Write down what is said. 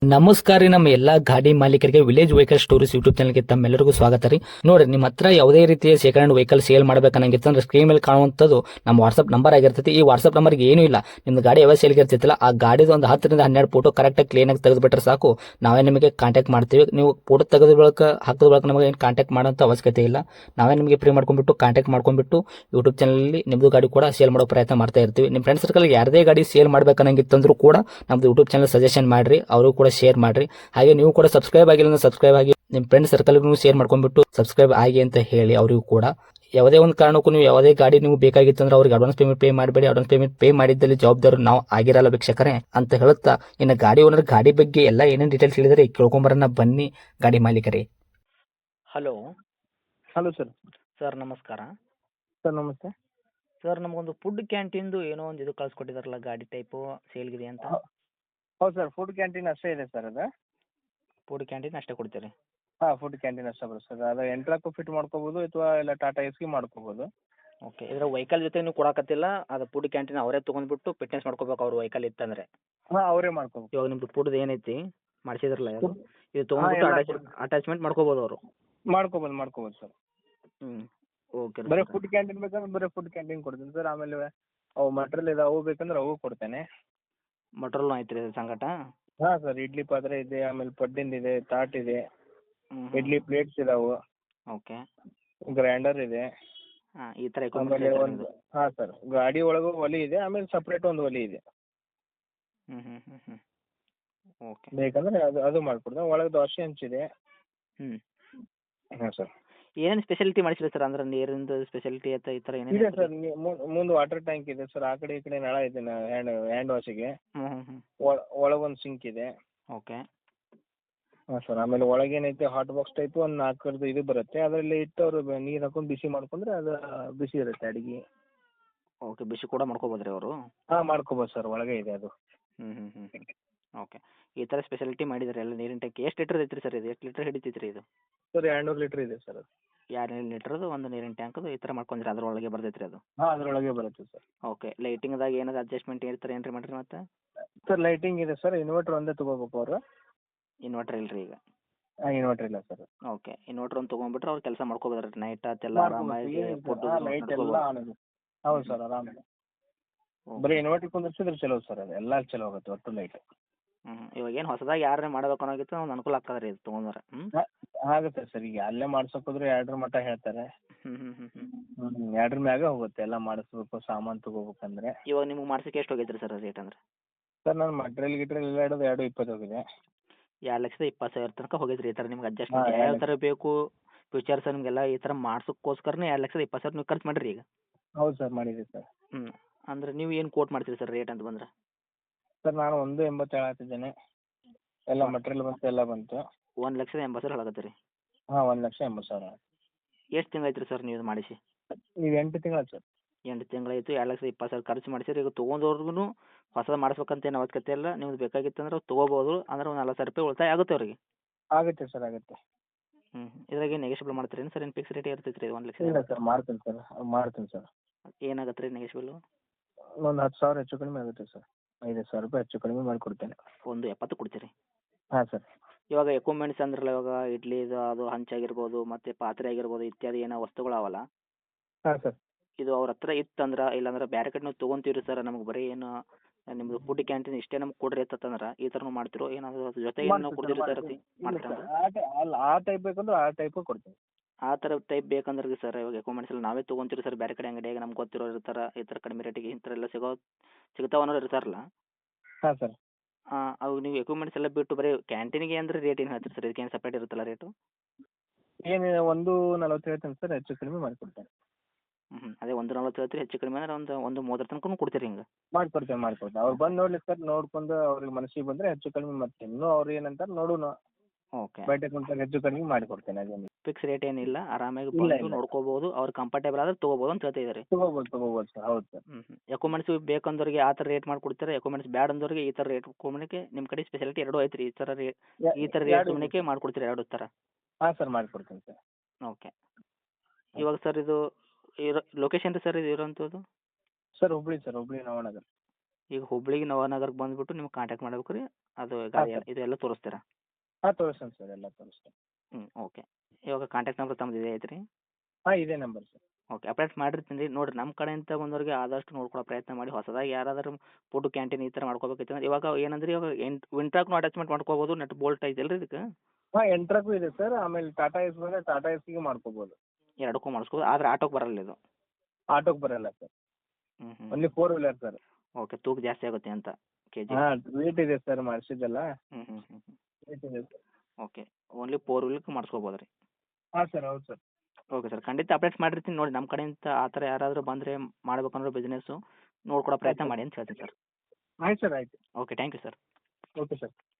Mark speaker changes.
Speaker 1: ನಮಸ್ಕಾರ ರೀ, ನಮ್ಮ ಎಲ್ಲಾ ಗಾಡಿ ಮಾಲೀಕರಿಗೆ ವಿಲೇಜ್ ವೆಹಿಕಲ್ ಸ್ಟೋರೀಸ್ ಯೂಟ್ಯೂಬ್ ಚಾನಲ್ಗೆ ತಮ್ಮೆಲ್ಲರಿಗೂ ಸ್ವಾಗತ ರೀ. ನೋಡ್ರಿ, ನಿಮ್ಮ ಹತ್ರ ಯಾವುದೇ ರೀತಿಯ ಸೆಕೆಂಡ್ ಹ್ಯಾಂಡ್ ವೆಹಿಕಲ್ ಸೇಲ್ ಮಾಡ್ಬೇಕನ್ನಂಗಿತ್ತು ಅಂದ್ರೆ ಸ್ಕ್ರೀನ್ ಮೇಲೆ ಕಾಣುವಂಥದ್ದು ನಮ್ಮ ವಾಟ್ಸ್ಆಪ್ ನಂಬರ್ ಆಗಿರ್ತೈತಿ. ಈ ವಾಟ್ಸ್ಆಪ್ ನಂಬರ್ಗೆ ಏನೂ ಇಲ್ಲ, ನಿಮ್ದು ಗಾಡಿ ಯಾವ ಸೇಲ್ಗೆ ಇರ್ತಿತ್ತಲ್ಲ ಆ ಗಾಡಿದು ಒಂದು 10ರಿಂದ 12 ಫೋಟೋ ಕರೆಕ್ಟಾಗಿ ಕ್ಲೀನಾಗಿ ತೆಗೆದುಬಿಟ್ರೆ ಸಾಕು, ನಾವೇ ನಿಮಗೆ ಕಾಂಟ್ಯಾಕ್ಟ್ ಮಾಡ್ತೀವಿ. ನೀವು ಫೋಟೋ ತೆಗೆದ ಬಳಿಕ ಹಾಕಿದ ಬಳಿಕ ನಮಗೆ ಏನು ಕಾಂಟ್ಯಾಕ್ಟ್ ಮಾಡೋಂಥ ಅವಶ್ಯಕತೆ ಇಲ್ಲ. ನಾವೇ ನಿಮಗೆ ಫ್ರೀ ಮಾಡ್ಕೊಂಡ್ಬಿಟ್ಟು ಕಾಂಟ್ಯಾಕ್ಟ್ ಮಾಡ್ಕೊಂಡ್ಬಿಟ್ಟು ಯೂಟ್ಯೂಬ್ ಚಾನಲಲ್ಲಿ ನಿಮ್ಮದು ಗಾಡಿ ಕೂಡ ಸೇಲ್ ಮಾಡೋ ಪ್ರಯತ್ನ ಮಾಡ್ತಾ ಇರ್ತೀವಿ. ನಿಮ್ಮ ಫ್ರೆಂಡ್ ಸರ್ಕಲ್ ಯಾರದೇ ಗಾಡಿ ಸೇಲ್ ಮಾಡ್ಬೇಕನ್ನಂಗಿತ್ತಂದ್ರೂ ಕೂಡ ನಮ್ದು ಯೂಟ್ಯೂಬ್ ಚಾನಲ್ ಸಜೆಷನ್ ಮಾಡ್ರಿ, ಅವರು ಕೂಡ ಶೇರ್ ಮಾಡ್ರಿ. ಹಾಗೆ ನೀವು ಕೂಡ ಸಬ್ಸ್ಕ್ರೈಬ್ ಆಗಿಲ್ಲ ಅಂದ್ರೆ ಸಬ್ಸ್ಕ್ರೈಬ್ ಆಗಿ ನಿಮ್ಮ ಫ್ರೆಂಡ್ ಸರ್ಕಲ್ಗೂ ಶೇರ್ ಮಾಡ್ಕೊಂಡ್ಬಿಟ್ಟು ಸಬ್ಸ್ಕ್ರೈಬ್ ಆಗಿ ಅಂತ ಹೇಳಿ ಅವರಿಗೂ ಕೂಡ. ಯಾವುದೇ ಒಂದು ಕಾರಣಕ್ಕೂ ನೀವು ಯಾವುದೇ ಗಾಡಿ ನೀವು ಬೇಕಾಗಿತ್ತಂದ್ರೆ ಅವ್ರಿಗೆ ಅಡ್ವಾನ್ಸ್ ಪೇಮೆಂಟ್ ಪೇ ಮಾಡಬೇಡಿ. ಅಡ್ವಾನ್ಸ್ ಪೇಮೆಂಟ್ ಪೇ ಮಾಡಿದ್ದಲ್ಲಿ ಜವಾಬ್ದಾರಿ ನಾವು ಆಗಿರಲ್ಲ ವೀಕ್ಷಕರೇ ಅಂತ ಹೇಳುತ್ತಾ, ಇನ್ನು ಗಾಡಿ ಓನರ್ ಗಾಡಿ ಬಗ್ಗೆ ಎಲ್ಲ ಏನೇನು ಡೀಟೇಲ್ಸ್ ಹೇಳಿದರೆ ಕೇಳ್ಕೊಂಬರೋಣ ಬನ್ನಿ ಗಾಡಿ ಮಾಲೀಕರೇ. Hello
Speaker 2: hello sir.
Speaker 1: ಸರ್, ನಮಸ್ಕಾರ.
Speaker 2: ಸರ್ ನಮಸ್ತೆ.
Speaker 1: ಸರ್, ನಮಗೊಂದು ಫುಡ್ ಕ್ಯಾಂಟೀನ್ದು ಏನೋ ಒಂದು ಇದು ಕಳ್ಸಿಕೊಟ್ಟಿದಾರಲ್ಲ ಗಾಡಿ ಟೈಪು ಸೇಲ್ಗಿದೆ ಅಂತ.
Speaker 2: ಹೌದು ಸರ್, ಫುಡ್ ಕ್ಯಾಂಟೀನ್ ಅಷ್ಟೇ ಇದೆ ಸರ್ ಅದು.
Speaker 1: ಫುಡ್ ಕ್ಯಾಂಟೀನ್ ಅಷ್ಟೇ ಕೊಡ್ತೀರಿ?
Speaker 2: ಹಾಂ, ಫುಡ್ ಕ್ಯಾಂಟೀನ್ ಅಷ್ಟೇ ಬರುತ್ತೆ ಸರ್. ಅದು ಎಂಟ್ರಾಕು ಫಿಟ್ ಮಾಡ್ಕೋಬೋದು ಅಥವಾ ಇಲ್ಲ ಟಾಟಾ ಎಸ್ಗೆ ಮಾಡ್ಕೋಬೋದು.
Speaker 1: ಓಕೆ, ಇದರ ವೆಹಿಕಲ್ ಜೊತೆ ನೀವು ಕೊಡಕತ್ತಿಲ್ಲ, ಅದು ಫುಡ್ ಕ್ಯಾಂಟೀನ್ ಅವರೇ ತೊಗೊಂಡ್ಬಿಟ್ಟು ಫಿಟ್ನೆಸ್ ಮಾಡ್ಕೋಬೇಕು ಅವ್ರ ವೆಹಿಕಲ್ ಇತ್ತಂದ್ರೆ.
Speaker 2: ಹಾಂ, ಅವರೇ ಮಾಡ್ಕೋಬೇಕು.
Speaker 1: ಇವಾಗ ನಿಮ್ದು ಫುಡ್ದು ಏನೈತಿ ಮಾಡಿಸಿದ್ರಲ್ಲ ಯಾರು, ಇದು ತೊಗೊಂಡ್ಬಿಟ್ಟು ಅಟ್ಯಾಚ್ಮೆಂಟ್ ಮಾಡ್ಕೋಬೋದು ಅವರು?
Speaker 2: ಮಾಡ್ಕೋಬೋದು ಸರ್.
Speaker 1: ಹ್ಞೂ, ಓಕೆ.
Speaker 2: ಬರೀ ಫುಡ್ ಕ್ಯಾಂಟೀನ್ ಬೇಕಂದ್ರೆ ಬರೀ ಫುಡ್ ಕ್ಯಾಂಟೀನ್ ಕೊಡ್ತೀನಿ ಸರ್. ಆಮೇಲೆ ಅವು ಮಟ್ರಿಯಲ್ ಇದೆ, ಅವು ಬೇಕಂದ್ರೆ ಅವು ಕೊಡ್ತೇನೆ.
Speaker 1: ಮಟ್ರೋಲ್ನು ಐತ್ರಿ ಅದ್ರ ಸಂಗಟ?
Speaker 2: ಹಾಂ ಸರ್, ಇಡ್ಲಿ ಪಾತ್ರೆ ಇದೆ, ಆಮೇಲೆ ಪಡ್ಡಿಂದು ಇದೆ, ತಾಟ್ ಇದೆ,
Speaker 1: ಹ್ಞೂ,
Speaker 2: ಇಡ್ಲಿ ಪ್ಲೇಟ್ಸ್ ಇದಾವೆ,
Speaker 1: ಓಕೆ.
Speaker 2: ಗ್ರೈಂಡರ್ ಇದೆ.
Speaker 1: ಹಾಂ, ಈ ಥರ
Speaker 2: ಆಮೇಲೆ ಒಂದು ಹಾಂ ಸರ್, ಗಾಡಿ ಒಳಗೂ ಒಲೆ ಇದೆ, ಆಮೇಲೆ ಸಪ್ರೇಟ್ ಒಂದು ಒಲೆ ಇದೆ.
Speaker 1: ಹ್ಞೂ ಹ್ಞೂ ಹ್ಞೂ ಹ್ಞೂ ಓಕೆ.
Speaker 2: ಬೇಕಂದ್ರೆ ಅದು ಮಾಡ್ಕೊಡ್ತೇನೆ. ಒಳಗೆ ದೋಸೆ ಹಂಚಿದೆ.
Speaker 1: ಹ್ಞೂ,
Speaker 2: ಹಾಂ ಸರ್.
Speaker 1: ಏನೇನು ಸ್ಪೆಷಾಲಿಟಿ ಮಾಡಿಸಿಲ್ಲ ಸರ್? ಅಂದ್ರೆ ನೀರಿಂದು ಸ್ಪೆಷಾಲಿಟಿ ಅಥವಾ ಈ ಥರ
Speaker 2: ಇದೆ
Speaker 1: ಏನೇನು?
Speaker 2: ಸರ್, ಮುಂದೆ ವಾಟರ್ ಟ್ಯಾಂಕ್ ಇದೆ ಸರ್. ಆ ಕಡೆ ಈ ಕಡೆ ನಳ ಇದೆ, ಹ್ಯಾಂಡ್ ವಾಶಿಗೆ.
Speaker 1: ಹ್ಞೂ ಹ್ಞೂ ಹ್ಞೂ
Speaker 2: ಒಳಗೊಂದು ಸಿಂಕ್ ಇದೆ.
Speaker 1: ಓಕೆ.
Speaker 2: ಹಾಂ ಸರ್. ಆಮೇಲೆ ಒಳಗೇನೈತೆ ಹಾಟ್ ಬಾಕ್ಸ್ ಟೈಪ್ ಒಂದು 4 ಇದು ಬರುತ್ತೆ. ಅದರಲ್ಲಿ ಇಟ್ಟು ಅವರು ನೀರು ಹಾಕೊಂಡು ಬಿಸಿ ಮಾಡ್ಕೊಂಡ್ರೆ ಅದು ಬಿಸಿ ಇರುತ್ತೆ ಅಡಿಗೆ.
Speaker 1: ಓಕೆ, ಬಿಸಿ ಕೂಡ ಮಾಡ್ಕೋಬೋದು ರೀ ಅವರು?
Speaker 2: ಹಾಂ, ಮಾಡ್ಕೋಬೋದು ಸರ್, ಒಳಗೆ ಇದೆ ಅದು.
Speaker 1: ಹ್ಞೂ ಹ್ಞೂ ಹ್ಞೂ ಓಕೆ. ಈ ಥರ ಸ್ಪೆಷಾಲಿಟಿ ಮಾಡಿದ್ದಾರೆ ಎಲ್ಲ. ನೀರಿನ ಟ್ಯಾಂಕ್ ಎಷ್ಟು ಲೀಟ್ರ್ ಐತ್ರಿ ಸರ್ ಇದು? ಎಷ್ಟು ಲೀಟ್ರ್ ಹಿಡಿತೈತ್ರಿ ಇದು?
Speaker 2: ಸರ್ 200 ಲೀಟ್ರ್ ಇದೆ ಸರ್ ಅದು.
Speaker 1: 200 ಲೀಟ್ರದು ಒಂದು ನೀರಿನ ಟ್ಯಾಂಕದು ಈ ಥರ ಮಾಡ್ಕೊಂಡ್ರಿ, ಅದರೊಳಗೆ ಬರ್ತೈತ್ರಿ ಅದು?
Speaker 2: ಹಾಂ, ಅದರೊಳಗೆ ಬರುತ್ತೆ ಸರ್.
Speaker 1: ಓಕೆ. ಲೈಟಿಂಗ್ದಾಗ ಏನಾದ್ರು ಅಡ್ಜಸ್ಟ್ಮೆಂಟ್ ಇರ್ತಾರೆ ಏನ್ರಿ ಮಾಡಿರಿ ಮತ್ತೆ?
Speaker 2: ಸರ್ ಲೈಟಿಂಗ್ ಇದೆ ಸರ್. ಇನ್ವರ್ಟರ್ ಒಂದೇ ತೊಗೋಬೇಕು ಅವರು.
Speaker 1: ಇನ್ವರ್ಟರ್ ಇಲ್ರಿ ಈಗ?
Speaker 2: ಹಾಂ, ಇನ್ವರ್ಟರ್ ಇಲ್ಲ ಸರ್.
Speaker 1: ಓಕೆ. ಇನ್ವರ್ಟರ್ ಒಂದು ತೊಗೊಂಡ್ಬಿಟ್ರೆ ಅವ್ರು ಕೆಲಸ ಮಾಡ್ಕೋಬೋದ್ರಿ ನೈಟ್ ಆತೆಲ್ಲ ಆರಾಮಾಗಿ ಫುಡ್
Speaker 2: ಲೈಟ್ ಎಲ್ಲ ಆನ್ ಇದೆ. ಹೌದು ಸರ್, ಆರಾಮಿದೆ. ಬರೀ ಇನ್ವರ್ಟರ್ ಕುಂದಿರ್ಸಿದ್ರೆ ಚಲೋ ಸರ್, ಅದು ಎಲ್ಲ ಚಲೋ ಆಗುತ್ತೆ ಒಟ್ಟು ಲೈಟ್.
Speaker 1: ಹ್ಞೂ, ಇವಾಗ ಏನು ಹೊಸದಾಗಿ ಯಾರೇ ಮಾಡ್ಬೇಕು ಅನ್ನೋಗಿತ್ತು ಒಂದು ಅನುಕೂಲ ಆಗ್ತದೆ ರೀ ಇದು ತೊಗೊಂಡ್ರೆ. ಹ್ಞೂ,
Speaker 2: ಆಗುತ್ತೆ ಸರ್. ಈಗ ಅಲ್ಲೇ ಮಾಡ್ಸೋಕೆ ಹೋದ್ರೆ 2 ಮಟ್ಟ ಹೇಳ್ತಾರೆ.
Speaker 1: ಹ್ಞೂ ಹ್ಞೂ ಹ್ಞೂ ಹ್ಞೂ
Speaker 2: 2 ಮ್ಯಾಗ ಹೋಗುತ್ತೆ ಎಲ್ಲ ಮಾಡಿಸ್ಬೇಕು, ಸಾಮಾನು ತೊಗೋಬೇಕಂದ್ರೆ.
Speaker 1: ಇವಾಗ ನಿಮ್ಗೆ ಮಾಡ್ಸೋಕೆ ಎಷ್ಟು ಹೋಗೈತೆ ರೀ ಸರ್ ರೇಟ್ ಅಂದ್ರೆ?
Speaker 2: ಸರ್ ನಾನು ಮಟ್ರಿಯಲ್ ಗಿಟ್ರಿಯಲ್ ಎಲ್ಲ ಹಿಡಿದು 220 ಹೋಗಿದೆ.
Speaker 1: 2,20,000 ತನಕ ಹೋಗೈತೆ ರೀ ಈ ಥರ ನಿಮ್ಗೆ ಅಡ್ಜಸ್ಟ್ಮೆಂಟ್ ಯಾವ ಥರ ಬೇಕು ಫೀಚರ್ಸ್ ನಿಮಗೆಲ್ಲ ಈ ಥರ ಮಾಡ್ಸೋಕ್ಕೋಸ್ಕರನೇ 2,20,000 ನೀವು ಖರ್ಚು ಮಾಡಿರಿ ಈಗ?
Speaker 2: ಹೌದು ಸರ್, ಮಾಡಿದೆ ಸರ್.
Speaker 1: ಹ್ಞೂ, ಅಂದ್ರೆ ನೀವು ಏನು ಕೋಟ್ ಮಾಡ್ತೀರಿ ಸರ್ ರೇಟ್ ಅಂತ ಬಂದ್ರೆ?
Speaker 2: ಸರ್ ನಾನು 1.80 ಹೇಳತ್ತಿದ್ದೇನೆ. ಎಲ್ಲ ಮಟ್ರಿಯಲ್ ಬಂತು, ಎಲ್ಲ ಬಂತು.
Speaker 1: 1,80,000 ಹೇಳಕತ್ತೀರಿ?
Speaker 2: ಹಾಂ, 1,80,000.
Speaker 1: ಎಷ್ಟು ತಿಂಗಳು ಐತ್ರಿ ಸರ್ ನೀವು ಇದು ಮಾಡಿಸಿ?
Speaker 2: ಈಗ 8 ತಿಂಗಳು ಸರ್.
Speaker 1: 8 ತಿಂಗಳಾಯಿತು. 2,20,000 ಖರ್ಚು ಮಾಡಿಸಿರಿ. ಈಗ ತೊಗೊಂಡವ್ರಿಗೂ ಹೊಸದು ಮಾಡಿಸ್ಬೇಕಂತ ಏನು ಅವಶ್ಯಕತೆ ಇಲ್ಲ. ನಿಮ್ಗೆ ಬೇಕಾಗಿತ್ತಂದ್ರೆ ತೊಗೋಬೋದು. ಅಂದ್ರೆ ಒಂದು 40,000 ರೂಪಾಯಿ ಉಳಿತಾಯ ಆಗುತ್ತೆ ಅವ್ರಿಗೆ.
Speaker 2: ಆಗುತ್ತೆ ಸರ್, ಆಗುತ್ತೆ.
Speaker 1: ಹ್ಞೂ, ಇದ್ರಾಗೆ ನೆಗೆಷಿಬಲ್ ಮಾಡ್ತೀರೇನು ಸರ್? ಏನು ಫಿಕ್ಸ್ ರೇಟ್ ಇರ್ತೈತೆ ರೀ 1,00,000?
Speaker 2: ಇಲ್ಲ ಸರ್, ಮಾಡ್ತೀನಿ ಸರ್.
Speaker 1: ಏನಾಗುತ್ತೆ ರೀ ನೆಗೆಷಿಬಲು?
Speaker 2: ಒಂದು 10,000 ಹೆಚ್ಚು ಕಡಿಮೆ ಆಗುತ್ತೆ ಸರ್. 5,000 ರೂಪಾಯಿ ಹೆಚ್ಚು ಕಡಿಮೆ ಮಾಡಿಕೊಡ್ತೇನೆ.
Speaker 1: 1,70,000 ಕೊಡ್ತೀರಿ?
Speaker 2: ಹಾಂ ಸರ್.
Speaker 1: ಇವಾಗ ಎಕ್ವಿಪ್ಮೆಂಟ್ಸ್ ಅಂದ್ರಲ್ಲ, ಇವಾಗ ಇಡ್ಲಿದು ಅದು ಹಂಚಾಗಿರ್ಬೋದು, ಮತ್ತು ಪಾತ್ರೆ ಆಗಿರ್ಬೋದು, ಇತ್ಯಾದಿ ಏನೋ ವಸ್ತುಗಳು ಅವಲ್ಲ,
Speaker 2: ಹಾಂ ಸರ್.
Speaker 1: ಇದು ಅವ್ರ ಹತ್ರ ಇತ್ತಂದ್ರೆ, ಇಲ್ಲಾಂದ್ರೆ ಬೇರೆ ಕಡೆ ನಾವು ತೊಗೊಂತೀವಿ ಸರ್, ನಮ್ಗೆ ಬರೀ ಏನು ನಿಮ್ಮದು ಫುಡ್ ಕ್ಯಾಂಟೀನ್ ಇಷ್ಟೇ ನಮ್ಗೆ ಕೊಡ್ರಿ ಅಂತಂದ್ರೆ ಈ ಥರನೂ ಮಾಡ್ತಿರೋ ಏನಾದರೂ ಅದ್ರ ಜೊತೆಗೆ ನಾವು ಕೊಡ್ತೀರಿ ಸರ್? ಮಾಡ್ತೀರಾ?
Speaker 2: ಆ ಟೈಪ್ ಬೇಕಂದ್ರೆ ಆ ಟೈಪು ಕೊಡ್ತೀನಿ.
Speaker 1: ಆ ಥರ ಟೈಪ್ ಬೇಕಂದ್ರೆ ಸರ್, ಇವಾಗ ಎಕ್ವಿಪ್ಮೆಂಟ್ಸ್ ಎಲ್ಲ ನಾವೇ ತೊಗೊಂತೀವಿ ಸರ್ ಬೇರೆ ಕಡೆ ಅಂಗಡಿಯಾಗ. ನಮ್ಗೆ ಗೊತ್ತಿರೋರು ಇರ್ತಾರೆ, ಈ ಥರ ಕಡಿಮೆ ರೇಟಿಗೆ ಈ ಥರ ಎಲ್ಲ ಸಿಗ್ತಾವೆ ಅನ್ನೋರು ಇರ್ತಾರಲ್ಲ.
Speaker 2: ಹಾಂ ಸರ್.
Speaker 1: ಅವು ನೀವು ಎಕ್ವಿಪ್ಮೆಂಟ್ಸ್ ಎಲ್ಲ ಬಿಟ್ಟು ಬರೀ ಕ್ಯಾಂಟೀನಿಗೆ ಅಂದರೆ ರೇಟ್ ಏನು ಹೇಳ್ತೀರಿ ಸರ್? ಇದಕ್ಕೇನು ಸಪ್ರೇಟ್ ಇರುತ್ತಲ್ಲ ರೇಟು?
Speaker 2: ಏನು 1.40 ಹೇಳ್ತೇನೆ ಸರ್, ಹೆಚ್ಚು ಕಡಿಮೆ ಮಾಡಿಕೊಡ್ತೇನೆ.
Speaker 1: ಹ್ಞೂ, ಅದೇ 1,40 ಹೇಳ್ತೀರಿ, ಹೆಚ್ಚು ಕಡಿಮೆ ಅಂದ್ರೆ ಒಂದು 30 ತನಕನೂ ಕೊಡ್ತೀರಿ ಹಿಂಗೆ?
Speaker 2: ಮಾಡಿಕೊಡ್ತೇನೆ. ಅವ್ರು ಬಂದು ನೋಡಲಿ ಸರ್, ನೋಡ್ಕೊಂಡು ಅವ್ರಿಗೆ ಮನಸ್ಸಿಗೆ ಬಂದರೆ ಹೆಚ್ಚು ಕಡಿಮೆ ಮಾಡ್ತೀನಿ. ಇನ್ನೂ ಅವ್ರು ಏನಂತಾರೆ ನೋಡೋಣ,
Speaker 1: ಓಕೆ.
Speaker 2: ಬಯಟೆ ಕುಂತಾಗ ಹೆಚ್ಚು ಕಡಿಮೆ ಮಾಡಿಕೊಡ್ತೇನೆ. ಅದೇನು
Speaker 1: ಫಿಕ್ಸ್ ರೇಟ್ ಏನಿಲ್ಲ, ಆರಾಮಾಗಿ
Speaker 2: ಇಲ್ಲ,
Speaker 1: ಬಂದು ನೋಡ್ಕೋಬೋದು, ಅವ್ರು ಕಂಫರ್ಟೇಬಲ್ ಆದರೆ ತೊಗೋಬೋದು ಅಂತ ಹೇಳ್ತಾ ಇದ್ದಾರೆ.
Speaker 2: ತೊಗೋಬೋದು ಸರ್. ಹೌದು ಸರ್.
Speaker 1: ಹ್ಞೂ ಎಕ್ವಿಪ್ಮೆಂಟ್ಸ್ ಬೇಕಂದವ್ರಿಗೆ ಆ ಥರ ರೇಟ್ ಮಾಡಿಕೊಡ್ತೀರಾ? ಎಕ್ವಿಪ್ಮೆಂಟ್ಸ್ ಬ್ಯಾಡ ಅಂದವ್ರಿಗೆ ಈ ಥರ ರೇಟ್ ಕೊಡಲಿಕ್ಕೆ ನಿಮ್ಮ ಕಡೆ ಸ್ಪೆಷಾಲಿಟಿ ಎರಡೂ ಐತ್ರಿ? ಈ ಥರ ರೇಟ್ ಕೊಡಲಿಕ್ಕೆ ಮಾಡಿಕೊಡ್ತೀರಾ ಎರಡು ಥರ?
Speaker 2: ಹಾಂ ಸರ್, ಮಾಡಿಕೊಡ್ತೀನಿ ಸರ್.
Speaker 1: ಓಕೆ. ಇವಾಗ ಸರ್ ಇದು ಲೊಕೇಶನ್ ರೀ ಸರ್ ಇದು ಇರೋಂಥದ್ದು?
Speaker 2: Sir Hubli sir, Hubli Navanagar.
Speaker 1: ಈಗ ಹುಬ್ಳಿಗೆ ನವನಗರಕ್ಕೆ ಬಂದುಬಿಟ್ಟು ನಿಮ್ಗೆ ಕಾಂಟ್ಯಾಕ್ಟ್ ಮಾಡ್ಬೇಕು ರೀ ಅದು ಗಾಡಿ
Speaker 2: ಸರ್.
Speaker 1: ಇದೆಲ್ಲ ತೋರಿಸ್ತೀರಾ?
Speaker 2: ಹಾಂ ತೋರಿಸ್ತೀನಿ ಸರ್, ಎಲ್ಲ ತೋರಿಸ್ತೀನಿ.
Speaker 1: ಓಕೆ. ಇವಾಗ ಕಾಂಟ್ಯಾಕ್ಟ್ ನಂಬರ್ ತಮ್ಮದು ಇದೇ ಐತ್ರಿ?
Speaker 2: ಹಾಂ ಇದೇ ನಂಬರ್ ಸರ್.
Speaker 1: ಓಕೆ, ಅಪ್ಡೇಟ್ ಮಾಡಿರ್ತೀನಿ ರೀ. ನೋಡಿರಿ ನಮ್ಮ ಕಡೆಯಿಂದ ಬಂದವ್ರಿಗೆ ಆದಷ್ಟು ನೋಡ್ಕೊಳೋ ಪ್ರಯತ್ನ ಮಾಡಿ. ಹೊಸದಾಗಿ ಯಾರಾದರೂ ಫುಡ್ ಕ್ಯಾಂಟೀನ್ ಈ ಥರ ಮಾಡ್ಕೋಬೇಕೈತೆ ಅಂದ್ರೆ ಇವಾಗ ಏನಂದ್ರೆ ಇವಾಗ ವಿಂಟ್ರಾಕ್ನು ಅಟ್ಯಾಚ್ಮೆಂಟ್ ಮಾಡ್ಕೋಬೋದು, ನಟ್ ಬೋಲ್ಟ್ ಐತಲ್ಲ ರೀ ಇದಕ್ಕೆ?
Speaker 2: ಹಾಂ ಎಂಟ್ರಕ್ಕೂ ಇದೆ ಸರ್, ಆಮೇಲೆ ಟಾಟಾ ಎಸ್ ಬಂದರೆ ಟಾಟಾ ಎಸ್ಸಿಗೆ ಮಾಡ್ಕೋಬೋದು.
Speaker 1: ಎರಡಕ್ಕೂ ಮಾಡಿಸ್ಕೋಬೋದು, ಆದರೆ ಆಟೋಗೆ ಬರಲ್ಲ ಇದು?
Speaker 2: ಆಟೋಗೆ ಬರಲ್ಲ ಸರ್,
Speaker 1: ಹ್ಞೂ
Speaker 2: ಓನ್ಲಿ 4 ವೀಲರ್ ಸರ್.
Speaker 1: ಓಕೆ, ತೂಕ ಜಾಸ್ತಿ ಆಗುತ್ತೆ ಅಂತ ಕೆ ಜಿ?
Speaker 2: ಹಾಂ ವೇಟ್ ಇದೆ ಸರ್ ಮಾಡಿಸಿದ್ದೆಲ್ಲ,
Speaker 1: ಹ್ಞೂ
Speaker 2: ವೇಟ್ ಇದೆ ಸರ್.
Speaker 1: ಓಕೆ, ಓನ್ಲಿ 4 ವೀಲರ್ಗೆ ಮಾಡಿಸ್ಕೋಬೋದು ರೀ?
Speaker 2: ಹಾಂ ಸರ್, ಹೌದು ಸರ್.
Speaker 1: ಓಕೆ ಸರ್, ಖಂಡಿತ ಅಪ್ಡೇಟ್ ಮಾಡಿರ್ತೀನಿ ನೋಡಿ. ನಮ್ಮ ಕಡೆಯಿಂದ ಆ ಥರ ಯಾರಾದರೂ ಬಂದರೆ ಮಾಡ್ಬೇಕಂದ್ರೆ ಬಿಸ್ನೆಸ್ಸು ನೋಡ್ಕೊಡೋ ಪ್ರಯತ್ನ ಮಾಡಿ ಅಂತ ಹೇಳ್ತೀನಿ ಸರ್.
Speaker 2: ಆಯ್ತು ಸರ್, ಆಯಿತು.
Speaker 1: Okay, thank you sir.
Speaker 2: Okay sir.